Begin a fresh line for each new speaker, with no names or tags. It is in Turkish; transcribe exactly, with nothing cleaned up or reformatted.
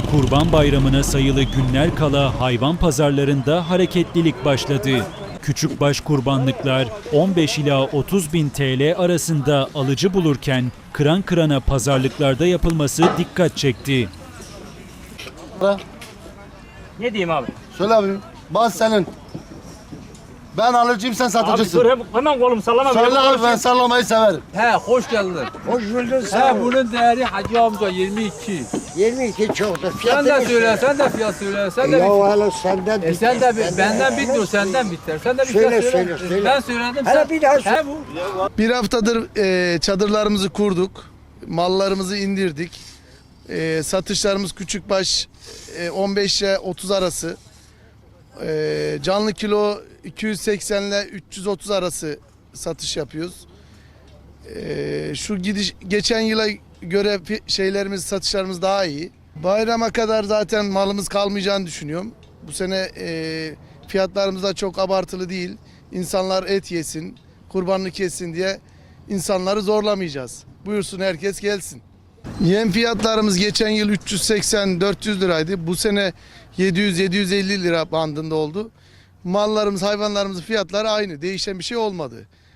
Kurban Bayramı'na sayılı günler kala hayvan pazarlarında hareketlilik başladı. Küçükbaş kurbanlıklar on beş ila otuz bin T L arasında alıcı bulurken kıran kırana pazarlıklarda yapılması dikkat çekti.
Ne diyeyim abi?
Söyle abi. Bas senin. Ben alıcıyım, sen
Abi
satıcısın.
dur hem- hemen kolumu sallama.
Söyle
Benim
abi,
konuşayım.
ben sallamayı severim.
He hoş geldin.
Hoş bulduk
He
sağ ol.
bunun değeri Hacı amca yirmi iki.
yirmi iki çoktur.
Sen
Fiyatı
de
ne
söyle, sen de fiyat söyle, sen de
Ya
bit.
hala senden
E sen de
biter,
bi- benden bitmiyor,
biter.
senden biter. Sen de bir
Söyle,
fiyat söyle.
söyle, söyle.
Ben söyledim
Hele
sen.
bir daha söyle.
He bu.
Bir haftadır e, çadırlarımızı kurduk, mallarımızı indirdik. E, satışlarımız küçükbaş e, on beş ile otuz arası. E, canlı kilo iki yüz seksen ile üç yüz otuz arası satış yapıyoruz. E, şu gidiş geçen yıla göre fi- şeylerimiz, satışlarımız daha iyi. Bayrama kadar zaten malımız kalmayacağını düşünüyorum. Bu sene e, fiyatlarımız da çok abartılı değil. İnsanlar et yesin, kurbanlık yesin diye insanları zorlamayacağız. Buyursun herkes gelsin. Yem fiyatlarımız geçen yıl üç yüz seksen dört yüz liraydı. Bu sene yedi yüz yedi yüz elli lira bandında oldu. Mallarımız, hayvanlarımızın fiyatları aynı. Değişen bir şey olmadı.